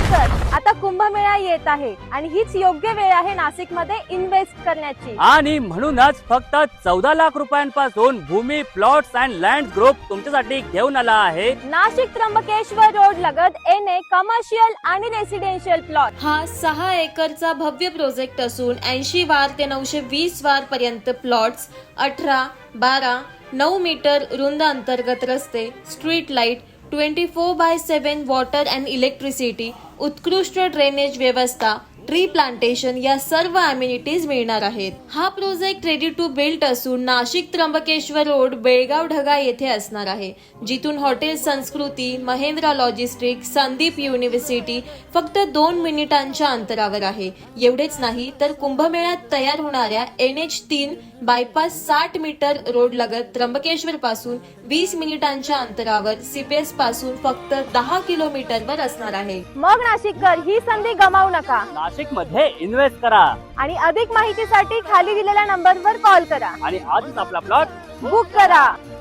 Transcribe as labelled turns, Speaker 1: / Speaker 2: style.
Speaker 1: नाशिककर, आता कुंभमेळा येत आहे आणि हीच योग्य वेळ आहे नाशिकमध्ये इन्व्हेस्ट करण्याची.
Speaker 2: आणि म्हणूनच फक्त 14 लाख रुपयांपासून Bhumi, plots and land group तुमच्यासाठी घेऊन आला आहे
Speaker 1: नाशिक त्र्यंबकेश्वर रोड लगत एनए कमर्शियल आणि रेसिडेन्शियल प्लॉट.
Speaker 3: हा 6 एकरचा भव्य प्रोजेक्ट असून 80 वार ते 920 वार पर्यंत प्लॉट्स, 18, 12, 9 मीटर रुंद अंतर्गत रस्ते, street light, 24/7 water and electricity, उत्कृष्ट ड्रेनेज व्यवस्था, ट्री प्लांटेशन या सर्व अम्युनिटीज मिळणार आहेत. हा प्रोजेक्ट रेडी टू बिल्ड असून नाशिक त्र्यंबकेश्वर रोड, बेळगाव ढगा येथे असणार आहे, जिथून हॉटेल संस्कृती, महेंद्रा लॉजिस्टिक, संदीप युनिव्हर्सिटी फक्त 2 मिनिटांच्या अंतरावर आहे. एवढेच नाही तर कुंभमेळ्यात तयार होणाऱ्या NH3 बायपास 60 मीटर रोड लगत त्र्यंबकेश्वर पासून 20 मिनिटांच्या अंतरावर, CPS पासून फक्त 10 किलोमीटरवर असणार आहे.
Speaker 1: मग नाशिककर, ही संधी गमावू नका
Speaker 2: नाशिक मध्ये इन्व्हेस्ट करा
Speaker 1: आणि अधिक माहितीसाठी खाली दिलेल्या नंबरवर कॉल करा
Speaker 2: आणि आजच आपला प्लॉट
Speaker 1: बुक करा.